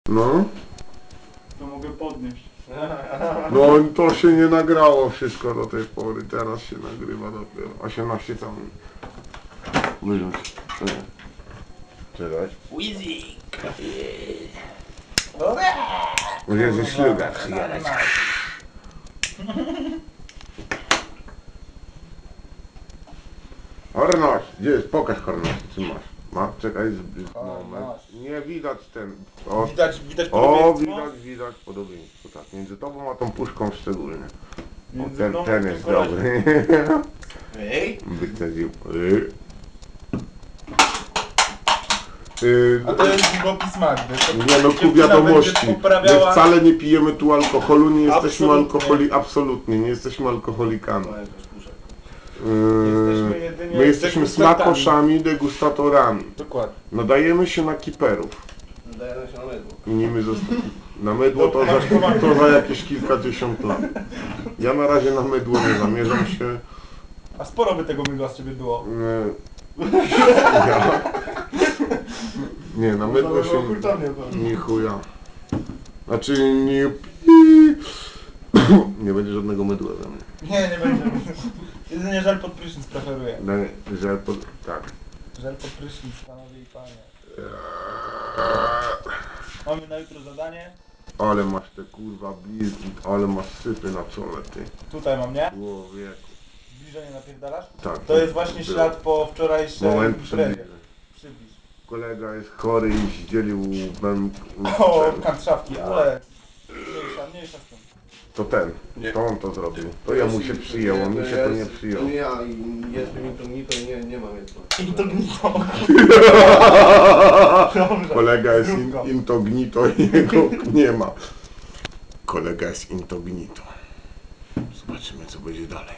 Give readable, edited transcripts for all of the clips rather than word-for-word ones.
No. To mogę podnieść. No to się nie nagrało wszystko do tej pory, teraz się nagrywa dopiero. 18 tam. Wyrzuć. Czekaj. Może ze śluga przyjadać. Horność, gdzie jest? Pokaż Horność, czy masz? Ma? Czekaj, moment. Nie widać ten. O, Widać o podobieństwo? widać podobieństwo, tak. Między tobą a tą puszką szczególnie. O, Między mną a ten tym jest koleżką. dobry. Ej! Wycedził. A to jest długopis Magdy. To Nie no, ku dziewczyna wiadomości. będzie My poprawiała... wcale nie pijemy tu alkoholu, nie jesteśmy Absolutnie. absolutnie, nie jesteśmy alkoholikami. Jesteśmy jedynie My jesteśmy degustantami. smakoszami, degustatorami. Dokładnie. Nadajemy się na kiperów. Dajemy się na mydło. I nimi na mydło to za jakieś kilkadziesiąt lat. Ja na razie na mydło nie zamierzam się. A sporo by tego mydła z ciebie było. Ja. Nie, na mydło się Hurtownie nie chuja. Znaczy nie... Nie będzie żadnego mydła za mnie. Nie będzie. Jedynie żel pod prysznic preferuję. Żel pod... Tak. Żel pod prysznic, panowie i panie. Mamy na jutro zadanie. Ale masz te kurwa blizgi, ale masz sypy na czole, ty. Tutaj mam, nie? Człowieku. Zbliżenie napierdalasz? Tak. To jest właśnie było. ślad po wczorajszej Moment imprezie. przybliżę. Przybliż. Kolega jest chory i zdzielił O, kantszawki, ale mniejsza z tym. To ten, Nie. to on to zrobił. To ja mu się przyjęło, mi się to nie To przyjęło. nie ja i jest mi to ni, to nie mam jedno. Incognito. Dobrze. Kolega jest Zdrówko. incognito i jego nie ma. Kolega jest incognito. Zobaczymy co będzie dalej.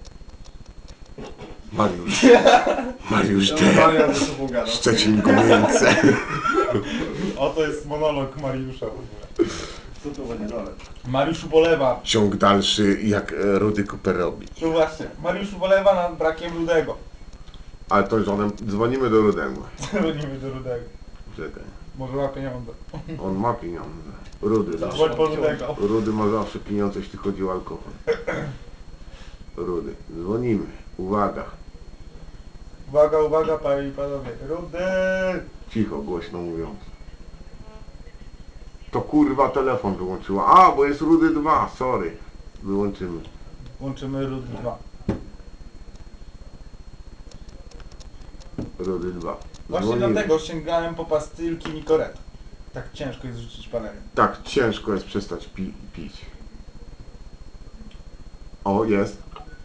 Mariusz D. Szczecin Gomięce. Oto jest monolog Mariusza w ogóle. Co to będzie dalej? Mariusz ubolewa. Ciąg dalszy jak Rudy Cooper robi. No właśnie, Mariusz ubolewa nad brakiem Rudego. Ale to już dzwonimy do Rudego. Dzwonimy do Rudego. Czekaj. Może ma pieniądze. On ma pieniądze. Rudy zawsze. Dzwoń po Rudego. Rudy ma zawsze pieniądze, jeśli chodzi o alkohol. Rudy. Dzwonimy. Uwaga. Uwaga, uwaga, panie i panowie. Rudy! Cicho, głośno mówiąc. To kurwa telefon wyłączyła. A, bo jest Rudy 2, sorry. Wyłączymy. Łączymy Rudy 2. Rudy 2. Właśnie Dzwonimy. dlatego sięgałem po pastylki Nicoret. Tak ciężko jest rzucić palenie. Tak, ciężko jest przestać pić. O, jest.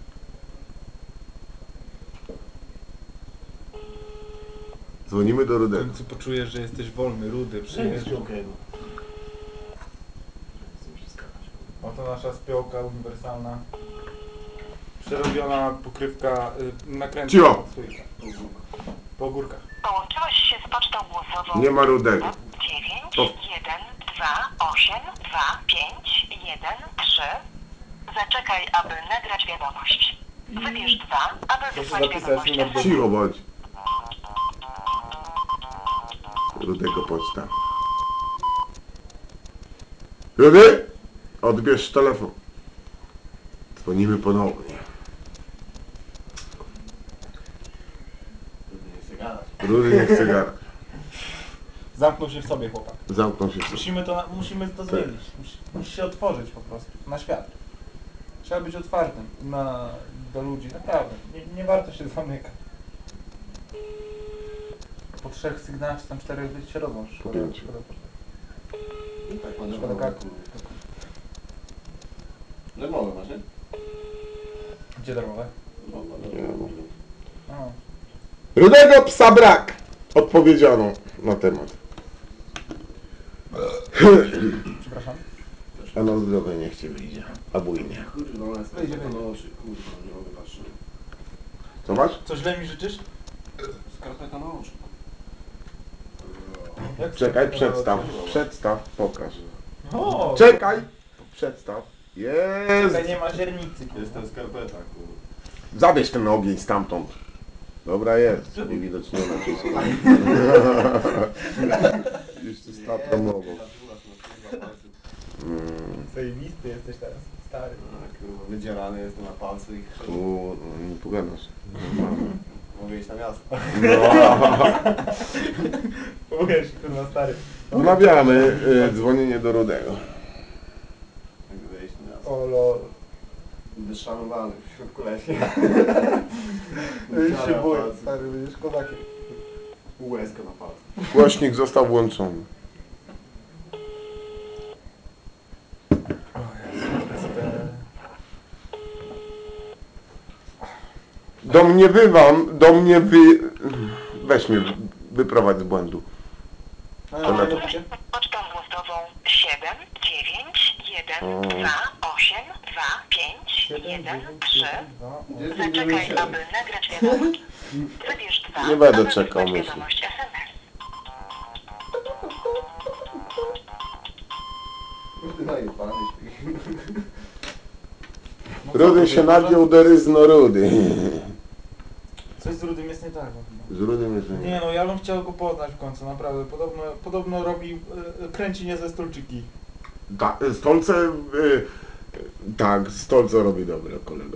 Dzwonimy do W Rudego. końcu poczujesz, że jesteś wolny, Rudy, przyjeżdżasz. Oto nasza spiołka uniwersalna. Przerobiona pokrywka nakrętna. Cicho! Po ogórkach. Połączyłeś się z pocztą głosową Nie ma Rudego. 9 To- 1 2 8 2 5 1 3. Zaczekaj, aby nagrać wiadomość. Wybierz 2, aby Proszę wysłać zapisać wiadomość. numer do... Cicho bądź. Rudego poczta. Rudy? Odbierz telefon. Dzwonimy ponownie. Nie chcę gadać. Rudy nie chce gadać. Zamknął się w sobie chłopak. Zamknął się w sobie. Musimy to zmienić. Musi się otworzyć po prostu na świat. Trzeba być otwartym do ludzi, naprawdę. Nie warto się zamykać. Po 3 sygnałach, czy tam 4 się rodzą. Po 5. Tak, pan Szkoda karku. Darmowe masz, nie? Gdzie darmowe? A. Rudego psa brak! Odpowiedziano na temat. Przepraszam. A na zdrowie niech ci wyjdzie. A bujnie. Kurwa, ona jest Wyjdzie, na wyjdzie. oczy, kurwa, nie mogę patrzeć. Co masz? Co źle mi życzysz? Skarpeta na oczy. Jak Czekaj, to- przedstaw. Przedstaw, pokaż. O! Czekaj! Przedstaw. Czekaj, Jest! nie ma źrenicy. Jest ten skarpeta, kurwa. Zabierz ten ogień stamtąd. Dobra jest. Nie widać nie nacisku. Jeszcze stapromował. Zajebisty jesteś teraz, stary. Kurwa, wydzierany jestem na palcu i Tu nie pogadasz. mogę iść na miasto. Uwierz, kurwa, stary. Wmawiamy dzwonienie do Rudego. Mogę iść na miasto. O lol. Będę szanowany w środku lesie. Już się boję, stary, będziesz kozakiem. Łezkę na palcu. Głośnik został włączony. Weź mnie, wyprowadź z błędu. Pocztą głosową 7 9 1 2 8 2 5 1 3. Zaczekaj, aby nagrać wiadomość. Wybierz 2, Nie będę aby czekał, wysłać myślę. wiadomość SMS. Zajebany Rudy się nagiął do ryzno Rudy. Coś z Rudym jest nie tak. No. Z Rudym jest nie. Nie no, ja bym chciał go poznać w końcu, naprawdę. Podobno robi, kręci niezłe stolczyki. Stolce, tak, Stolce robi dobre, kolega.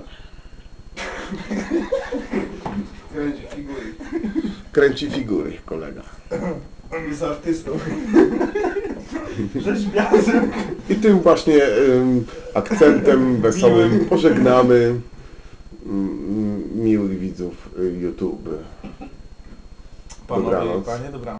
Kręci figury. Kręci figury, kolega. On jest artystą. Rzeźbiarzem. I tym właśnie akcentem wesołym pożegnamy miłych widzów YouTube. Panowie, Dobranoc. panie, dobranoc.